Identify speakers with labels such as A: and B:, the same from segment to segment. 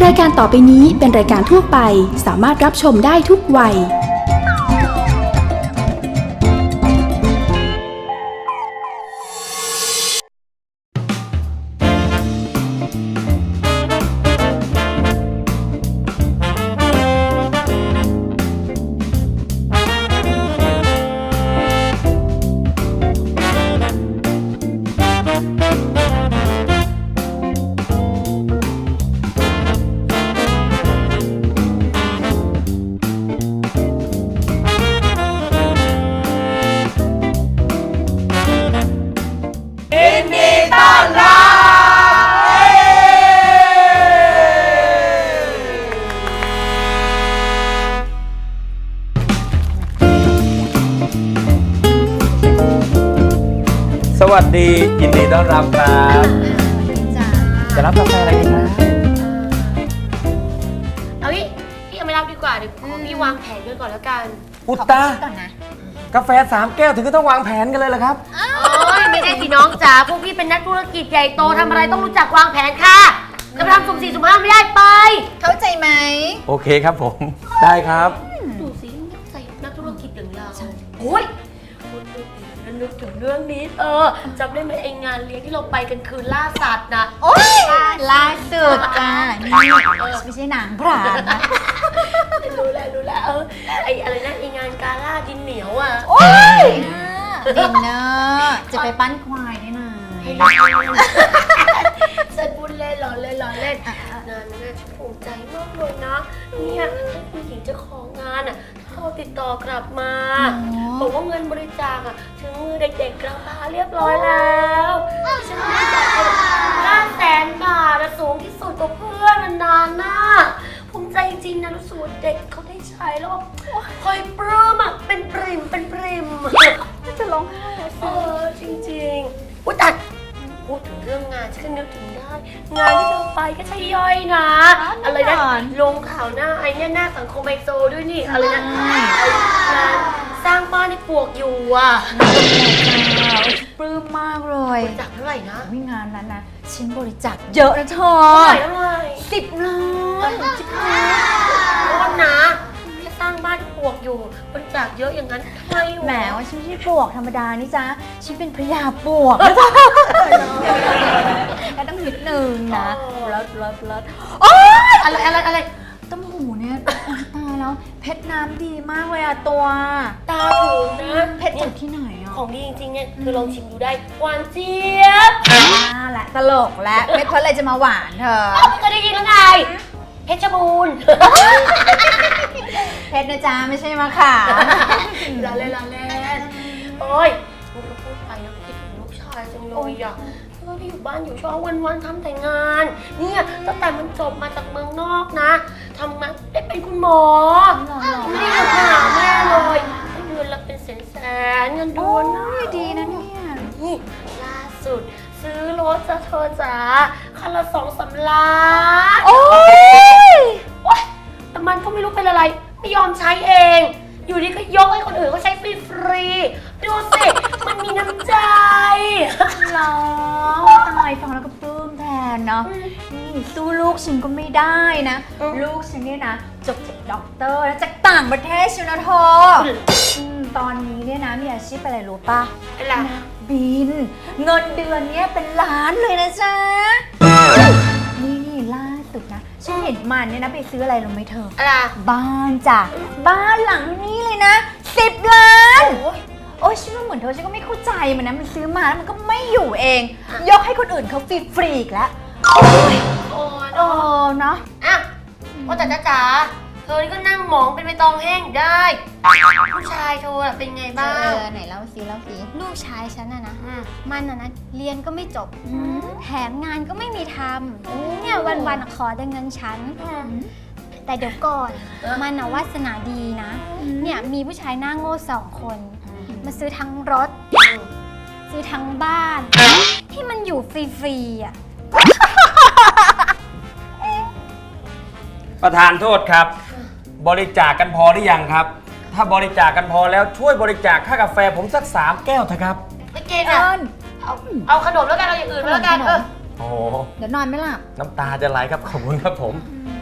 A: รายการต่อไปนี้เป็นรายการทั่วไปสามารถรับชมได้ทุกวัย
B: สวัสดียินดีต้อนรับครับจะรับกาแฟอะไรดีครับ
C: เอาพี่ยังไม่รับดีกว่าเดี๋ยวพี่วางแผนกันก่อนแล้วกัน
B: อุตตากาแฟ3 แก้วถึงก็ต้องวางแผนกันเลยเหรอครับ
C: โอ้ยไม่ได้สิน้องจ๋าพวกพี่เป็นนักธุรกิจใหญ่โตทำอะไรต้องรู้จักวางแผนค่ะจะไปทำสุ่ม4สุ่ม5ไม่ได้ไป
D: เข้าใจไหม
B: โอเคครับผมได้ครับ
C: ดูสิใส่นักธุรกิจอย่างเราโอ้ยนึกถึงเรื่องนี้จำได้ไหมไองานเลี้ยงที่เราไปกันคืนล่าสัตว์นะ
D: โอ้ยล่าสุดจ้านี่ไม่ใช่หนังพรานนะ
C: รู้แล้วไออะไรนะไองานกาล่าดินเหนียวอ่ะ
D: โอ้ยดินเนอร์จะไปปั้นควายได้ไหม
C: ฉันพูดเล่นล้อเล่นงานนี้ฉันภูมิใจมากเลยนะเนี่ยผู้หญิงเจ้าของงานอ่ะเขาติดต่อกลับมาบอกว่าเงินบริจาคอ่ะถึงมือเด็กๆแล้วค่ะเรียบร้อยแล้วฉันบริจาค500,000 บาทสูงที่สุดกว่าเพื่อนนานๆนะภูมิใจจริงนะรู้สึกว่าเด็กเขาได้ใช้แล้วคอยปลื้มอ่ะเป็นปริม
D: จะร้องไห้แล้ว
C: จริงๆอุ๊ยแต่พูดถึงเรื่องงานฉันก็นึกถึงได้งานที่เธอไปก็ใช่ย่อยนะอะไรนะลงข่าวหน้าไอ้เนี่ยหน้าสังคมไอโซด้วยนี่อะไรนะงานสร้างบ้านให้ปลวกอยู่อ่ะ
D: ปลื้มมากเลย
C: บริจาคเท่าไหร่นะ
D: วิงานนั้นนะชิ้นบริจาคเยอะนะเธอ
C: เท่าไหร่
D: 10 ล้าน
C: โทษนะแค่สร้างบ้านปลวกอยู่บริจาคเยอะอย่างนั้นทำไม
D: แหมว่าฉันไม่ใช่ปลวกธรรมดานี่จ้าฉันเป็นพญาปลวกนะจ๊ะแล้วต้องนิดนึงนะเลิศโอ๊ย
C: อะไร
D: ต้มหูเนี่ยตายแล้วเพชรน้ำดีมากเลยอะตัว
C: ตาถึงนะ
D: เพชรจากที่ไหนอะ
C: ของดีจริงๆเนี่ยเธอลองชิมดูได้หวานเจี๊ยบ
D: แหละตลกแล้วเพชรเพราะอะไรจะมาหวานเธอ
C: ไม่เคยได้ยินแล้วไงเพชรบูรณ์
D: เพชรนะจ๊ะไม่ใช่มะขาม
C: ล้อเล่นโอ้ยมึงก็พูดไปนะคิดถึงลูกชายจังเลยอ่ะเราที่อยู่บ้านอยู่ช่องวันทำแต่งานเนี่ยตั้งแต่มันจบมาจากเมืองนอกนะทำมาได้เป็นคุณหมอไม่ได้ทำหาแม่เลยเงินละเป็นแสนเงินเดือนนะ
D: ดีนะเนี่ย
C: นี่ล่าสุดซื้อรถจะเธอจ๋าคันละ2-3 ล้าน
D: โอ้ย
C: แต่มันก็ไม่รู้เป็นอะไรไม่ยอมใช้เอง อยู่ดีก็ยกให้คนอื่นเขาใช้ฟรีดูสิมันมีน้ำใจ
D: หรอตายฟังแล้วก็ปลื้มแทนเนาะนี่สู้ลูกฉันก็ไม่ได้นะลูกฉันเนี่ยนะจบจากด็อกเตอร์แล้วจากต่างประเทศชิวนะเธอตอนนี้เนี่ยนะมีอาชีพอะไรรู้ป่ะ
C: อะไร
D: บินเงินเดือนเนี่ยเป็นล้านเลยนะจ๊ะนี่ล่าสุดนะฉันเห็นมันเนี่ยนะไปซื้ออะไรรู้ไหมเธอ
C: อะไร
D: บ้านจ้ะบ้านหลังนี้เลยนะ10 ล้านโอ้ยฉันว่าเหมือนเธอฉันก็ไม่เข้าใจมันนะมันซื้อมาแล้วมันก็ไม่อยู่เองยกให้คนอื่นเขาฟรีอีกแล้ว
C: โอ้
D: เนาะ
C: อ่ะว่าแต่จ๋าเธอนี่ก็นั่งหมองเป็นใบตองแห้งได้ผู้ชายเธอเป็นไงบ้าง
D: ไหนเล่าสิ
E: ลูกชายฉันนะมันนะเรียนก็ไม่จบแถมงานก็ไม่มีทำเนี่ยวันๆขอแต่เงินฉันแต่เดี๋ยวก่อนมันวาสนาดีนะเนี่ยมีผู้ชายหน้าโง่2 คนมาซื้อทั้งรถซื้อทั้งบ้านที่มันอยู่ฟรีๆอ่ะ
B: ประธานโทษครับบริจาคกันพอหรือยังครับถ้าบริจาคกันพอแล้วช่วยบริจาคค่ากาแฟผมสัก3 แก้วเถอะครับ
C: ไม่เกินอ่ะเอาขนมแล้วกันเอาอย่างอื่นแล้วกัน
B: โอ้
D: เดี๋ยวนอนไม่หลับ
B: น้ำตาจะไหลครับขอบคุณครับผม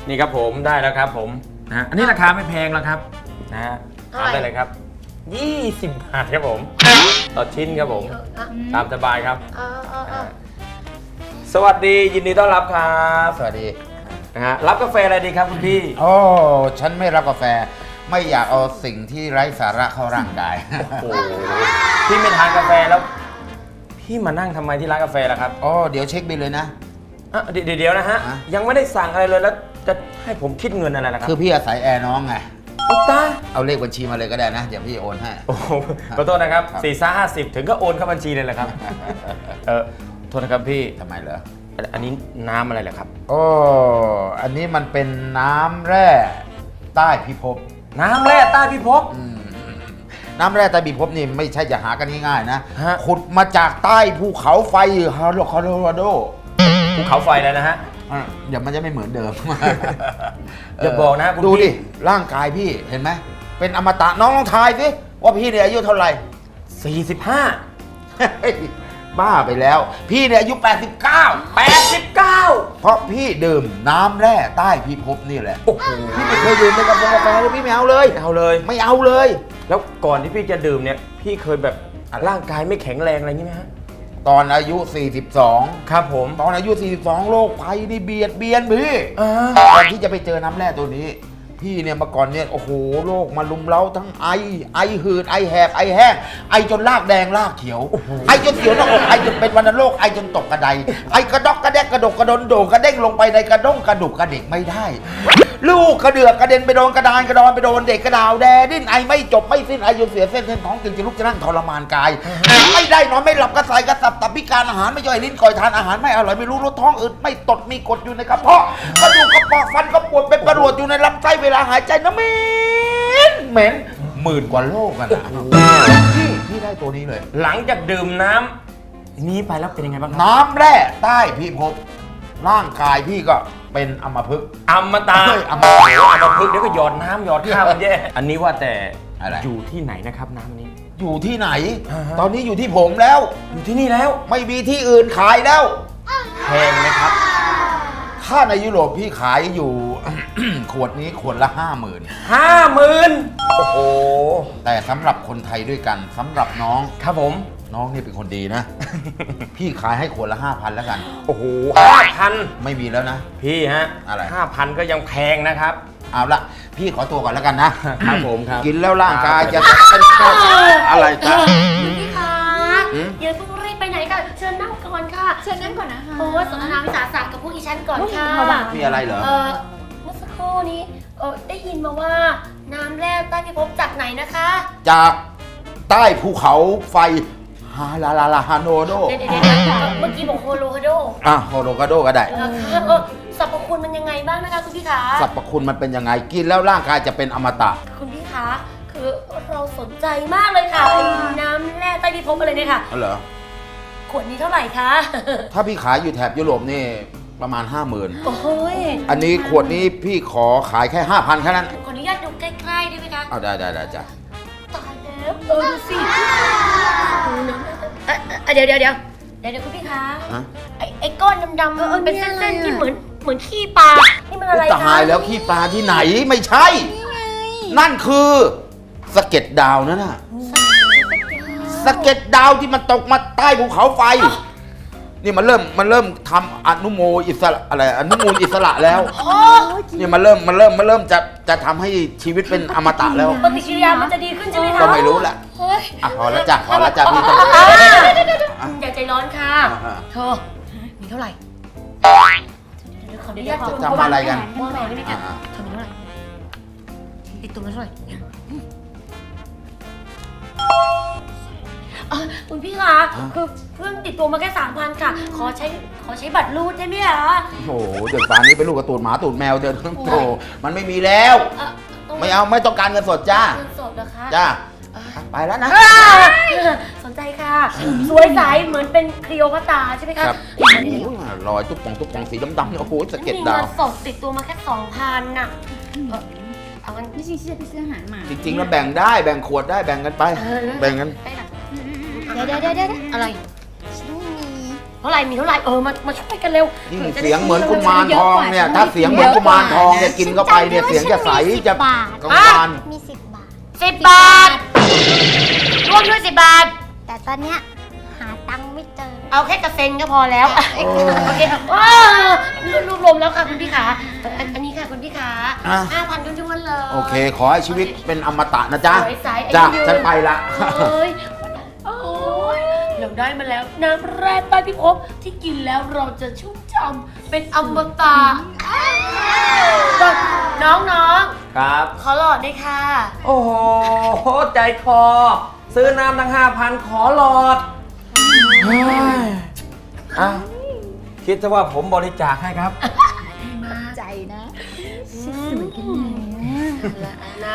B: นี่ครับผมได้แล้วครับผมนะอันนี้ราคาไม่แพงแล้วครับนะฮะทานได้เลยครับ20 บาทครับผมต่อชิ้นครับผมตามสบายครับ สวัสดียินดีต้อนรับครับ
F: สวัสดี
B: นะฮะรับกาแฟอะไรดีครับคุณพี่
F: โอ้ฉันไม่รับกาแฟ ไม่อยากเอาสิ่งที่ไร้สาระเข้าร่างกาย
B: โอ้โหพี่ไม่ทานกาแฟแล้ว พี่มานั่งทำไมที่ร้านกาแฟล่ะครับ
F: อ๋อเดี๋ยวเช็คบิลเลยนะ
B: อ่ะเดี๋ยวนะฮะ
F: ฮะ
B: ยังไม่ได้สั่งอะไรเลยแล้วจะให้ผมคิดเงินอะไรล่ะครับ
F: คือพี่อาศัยแอร์น้องไง
B: อุ๊ยตาย
F: เอาเลขบัญชีมาเลยก็ได้นะ เดี๋ยวพี่โอนให้
B: โอ้โหขอโทษนะครับ
F: ครับ
B: 4-50 ถึงก็โอนเข้าบัญชีเลยแหละครับ โทษนะครับพี่
F: ทำไมเหรอ
B: อันนี้น้ำอะไรเหรอครับ
F: โอ้อันนี้มันเป็นน้ำแร่ใต้พิภพ
B: น้ำแร่ใต้พิภพ
F: น้ำแร่ใต้พิภพนี่ไม่ใช่จะหากันง่ายๆนะ
B: ฮะ
F: ขุดมาจากใต้ภูเขาไฟโคโลราโด
B: ภูเขาไฟเลยนะฮะ
F: เดี๋ยวมันจะไม่เหมือนเดิม
B: อย่าบอกนะคุณ
F: ดู
B: พี่
F: ดิ ร่างกายพี่เห็นไหม เป็นอมตะน้องลองทายสิว่าพี่เนี่ยอายุเท่าไหร่
B: 45
F: เฮ้ยบ้าไปแล้ว พี่เนี่ยอายุ 89
B: 89
F: เพราะพี่ดื่มน้ำแร่ใต้พิภพนี่แหละ
B: โอ้โห
F: พี่ไม่เคยดื่มเลยกาแฟเลยพี่ไม่เอาเลย
B: ไม่เอาเลย
F: ไม่เอาเลย
B: แล้วก่อนที่พี่จะดื่มเนี่ย พี่เคยแบบร่างกายไม่แข็งแรงอะไรอย่างนี้ไหมฮะ
F: ตอนอายุ 42
B: ครับผม
F: ตอนอายุ 42 โรคภัยนี่เบียดเบียนพี่
B: อ่า
F: ก่อนที่จะไปเจอน้ำแร่ตัวนี้ พี่เนี่ยเมื่อก่อนเนี่ยโอ้โหโรคมาลุมเล้าทั้งไอหืดไอแหบไอแห้งไอจนลากแดงลากเขียวไอจนเสียวหน้าอกไอจนเป็นวัณโรคไอจนตกกระไดไอกระดอกกระแดกกระดกกระดนโดกระเด้งลงไปในกระด้งกระดุกกระเด็กไม่ได้ ลูกกระเดือกกระเด็นไปโดนกระดานกระดอนไปโดนเด็กกระดาวแดดิ้นไอไม่จบไม่สิ้นไอจนเสียเส้นท้องจึงจะลุกจะนั่งทรมานกายไม่ได้นอนไม่หลับกระสายกระสับตับพิการอาหารไม่ย่อยลิ้นก่อยทานอาหารไม่อร่อยไม่รู้รสท้องอืดไม่ตดมีกรดอยู่ในกระเพาะกระดูกกระปอกฟันก็ปวดเป็นประหลวดอยู่ในลำไส้เวลาหายใจนะเหม็นหมื่นกว่าโลกอะนะพี่ได้ตัวนี้เลย
B: หลังจากดื่มน้ำนี้ไปแล้วเป็นยังไงบ้างครับ
F: น้ำแร่ใต้พิภพร่างกายพี่ก็เป็นอัมพฤกษ์
B: อมตะ
F: เฮ้ยอมตะ
B: โอ้โหอมพึกษ์เดี๋ยวก็หยอดน้ำหยอดข้าวมันแย่อันนี้ว่าแต่
F: อะไร
B: อยู่ที่ไหนนะครับน้ำนี้
F: อยู่ที่ไหน
B: อ่าฮะ
F: ตอนนี้อยู่ที่ผมแล้ว
B: อยู่ที่นี่แล้ว
F: ไม่มีที่อื่นขายแล้ว
B: แพงไหมครับ
F: ถ้าในยุโรปพี่ขายอยู่ ขวดนี้ขวดละ 50,000
B: 50,000โอ้โห
F: แต่สำหรับคนไทยด้วยกันสำหรับน้อง
B: ครับผม
F: น้องนี่เป็นคนดีนะ พี่ขายให้ขวดละ 5,000 แล้วกัน
B: โอ้โห5,000
F: ไม่มีแล้วนะ
B: พี่ฮะ
F: อะไร
B: 5,000 ก็ยังแพงนะครับ
F: เอาละพี่ขอตัวก่อนแล้วกันนะครับ
B: ผมครับ
F: กินแล้วร่างกายจะเป็นอะไรจ๊ะ
C: พี่คะ
F: หืม
C: อย่าเพิ่งรีบไปไหนกันเชิญนั่งก่อนค่ะ
D: เชิญนั่งก่อนนะคะ
C: โอ้สนทนาวิสาสะกับพวกอีฉันก่อนค่ะ
F: มีอะไรเหรอ
C: เมื่อสักครู่นี้ได้ยินมาว่าน้ำแร่ใต้พิภพจากไหนนะคะ
F: จากใต้ภูเขาไฟฮาลาลาลาฮาโนโด
C: เดี๋ยวเมื่อกี้บอกโฮโลฮาโด
F: โฮโลกาโดก็ได้
C: นะคะสรรพคุณมันยังไงบ้างนะคะคุณพี่คะ
F: สรรพคุณมันเป็นยังไงกินแล้วร่างกายจะเป็นอมตะ
C: คุณพี่คะคือเราสนใจมากเลยค่ะไอ้น้ำแร่ใต้พิภพอะไรเนี่ยค่ะ
F: อ๋อเหรอ
C: ขวดนี้เท่าไหร่คะ
F: ถ้าพี่ขายอยู่แถบยุโรปนี่ประมาณ 50,000
C: โอ้ย
F: อันนี้ขวดนี้พี่ขอขายแค่ 5,000แค่นั้น
C: ขออนุญาตดูใกล้ๆได้ไหมคะ
F: เอาได้จ้ะ
C: ตายแล้วดูสิดูนะเดี๋ยวคุณพี่คะ
F: ฮะ
C: ไอ้ก้อนดำๆเป็นเส้นๆที่เหมือนขี้ปลา นี่มันอะไร
F: ตา
C: คะ
F: ยแล้วขี้ปลาที่ไหนไม่ใช่ นั่นคือสะเก็ดดาวนั่นน่ะสะเก็ดดาวที่มันตกมาใต้ภูเขาไฟ นี่มันเริ่มทำอนุโมอิสระอะไรอนุมูลอิสระแล้วนี่มันเริ่มจะทำให้ชีวิตเป็นอมตะแล้ว
C: ปฏิกิริยามันจะดีขึ้นใช่ไหมคะ
F: ก็ไม่รู้แหละ
C: เฮ้ย
F: อ่ะพอแล้วจ้ะพี่ต้อง
C: อย่าใจร้อนค่ะ
F: อ่า
C: เธอมีเท่าไหร่เดี๋ยวขออนุญาต
F: จะทำอะไรกัน
C: วางแผนได้ไหมคะ
F: อ่า
C: เธอมีเท่าไหร่ติดตัวมาเท่าไหร่คุณพี่คะคือเพิ่งติดตัวมาแค่ 3,000 ค่ะ ขอใช้บัตรรูดได้ไหมคะ
F: โอ้โหเด็กป่านนี้เป็นลูกกระตูดหมาตูดแมวเดินโอ้โหมันไม่มีแล้ว
C: ต้อง
F: ไม่เอาไม่ต้องการเงินสดจ้า
C: เงินสดเหรอคะ
F: จ้าไปแล้วนะ
C: สนใจค่ะ สวยใสเหมือนเป็นคลีโอพัตราใช่ไหมคะ
F: ครับ
C: เดี๋ยว
F: โอ้ยรอยตุ๊บปองสีดำๆเนี่ยโอ้โหสะเก็ด
C: มี
F: ดา
C: เงิ
F: วน
C: สดติดตัวมาแค่ 2,000น่ะเอางั้น
D: พี่ชิงเชื่อพี่ซื้ออาหารมา
F: จริงๆแล้วแบ่งได้แบ่งขวดได้แบ่งกันไป แบ่งกัน
C: ได้ละ
E: เดี๋ยว
C: อะไร
E: ฉันมี
C: ฮท่าไหร่มีเท่าไหร่มาช่วยกันเร็ว
F: ยิ่งเสียงเหมือนกุมารทองเนี่ยถ้าเสียงเหมือนกุมารทองเนี่ยกินเข้าไปเนี่ยเสียงจะใสจะกังวาน
E: มี10 บาท
C: 10 บาทรวมด้วย10 บาท
E: แต่ตอนเนี้ยหาตังค์ไม่เจอ
C: เอาแค่กระเซ็นก็พอแล้วโอเคค่ะรวมแล้วค่ะคุณพี่ขาอันนี้ค่ะคุณพี่ขา
F: อ่ะ
C: 5,000ทุกวันเลย
F: โอเค ขอให้ชีวิตเป็นอมตะนะจ๊ะ
C: สวยใส
F: จ้ะ
C: อายุยืน
F: ฉันไปละ
C: โอ้ยเราได้มาแล้วน้ำแร่ใต้พิภพที่กินแล้วเราจะชุ่มช่ำเป็นอมตะน้อง
B: ครับ
C: ๆขอหลอดด้วยค่ะ
B: โอ้โห ใจคอ ซื้อน้ำทั้ง 5,000 ขอหลอดเฮ้ยอ่ะคิดซะว่าผมบริจาคให้ครับ
D: ใจนะ
C: นะ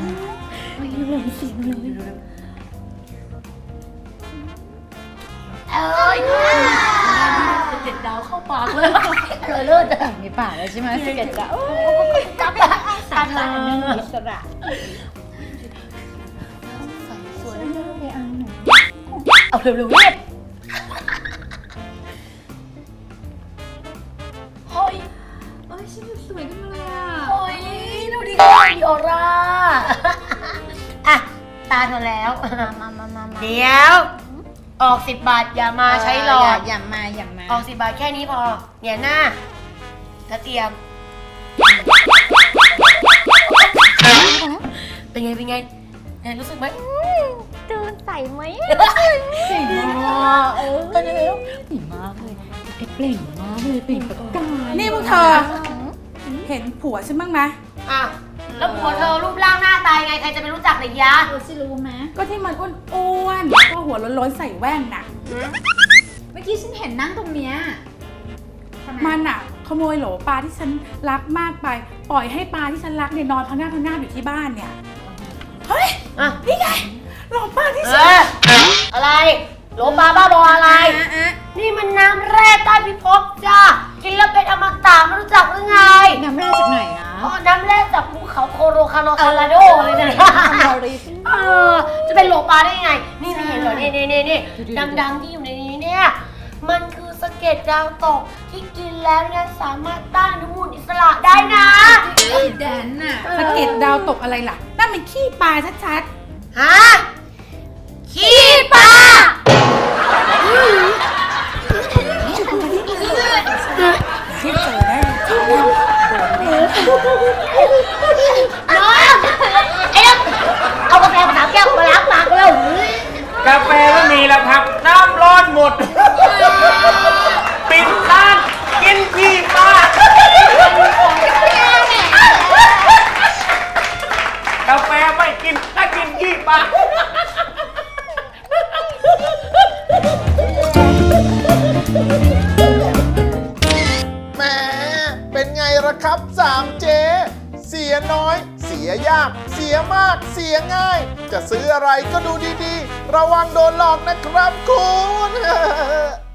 C: เอ้ยเด็ดดาวเข้าปากเลยเลิศอ่ะ
D: ในป่ากแล้วใช่ไหมสเก็ตจะ
C: จับตาเธอ
D: อิสระ
C: สวยเอาเร็วๆรีบเฮ้ย
D: โอ้ยฉันสวยขึ้นมาเลยอ่ะ
C: เฮ้ยดูดิมีออร่าอ่ะตาเธอแล้ว
E: มา
C: เดี๋ยว ออก10 บาทอย่ามาใช้หลอด
D: อย่ามา
C: ออก10 บาทแค่นี้พอเนี่ยหน้าแล้วเตรียม เป็นไงเนี่ยรู้สึกไหม
E: ดูใส่ไหม
D: เก่งมากเก่งมากเลยเปล่งมากเลยเปล่งประกาย
G: นี่พวกเธอ เห็นผัวฉันบ้างไหม
C: อ่ะแล้วผัวเธอรูปร่างหน้าตายไงใครจะไปรู้จักเลยยะ
D: สิรู้ไหม
G: ก็ที่มันอ้วนๆแล้วก็หัวโล้นๆใส่แว่นน่ะ
D: เมื่อกี้ฉันเห็นนั่งตรงเนี้ยทำไม
G: มันอ่ะขโมยโหลปลาที่ฉันรักมากไป ปล่อยให้ปลาที่ฉันรักเนี่ยนอนพังงาบอยู่ที่บ้านเนี่ย เฮ้ย
C: อ่ะ
G: นี่ไงโหลปลาที่
C: เอ
G: ฉัน
C: อะไรโลปลาบ้าบออะไร นี่มันน้ำแร่ใต้พิภพจ้ากินแล้วเป็นอมตะไม่รู้จักหรือไง
D: น้ำแร่จากไหนนะ
C: อ๋อน้ำแร่จากภูเขาโคโรคาโลโดเลยนะ
D: เราเลย
C: จะเป็นโลปลาได้ยังไง นี่ไม่เห็นเหรอนี่ดังๆที่อยู่ในนี้เนี่ย มันคือสะเก็ดดาวตกที่กินแล้วเนี่ยสามารถต้านอนุมูลอิสระได้นะ
D: แดนน่ะ
G: สะเก็ดดาวตกอะไรล่ะ นั่นมันขี้ปลาชัด
C: ฮะขี้ปลา
G: ๆที่เจอได้
C: น้องไอ้น้องเอากาแฟมา3 แก้วมาล้างปากเร็ว
B: กาแฟไม่มีแล้วครับ น้ำร้อนหมด ปิดร้านกินขี้ปลากาแฟไม่กินถ้ากินขี้ปลา
H: แหมเป็นไงล่ะครับ3 เจ เสียน้อย เสียยาก เสียมาก เสียง่าย จะซื้ออะไรก็ดูดีๆ ระวังโดนหลอกนะครับคุณ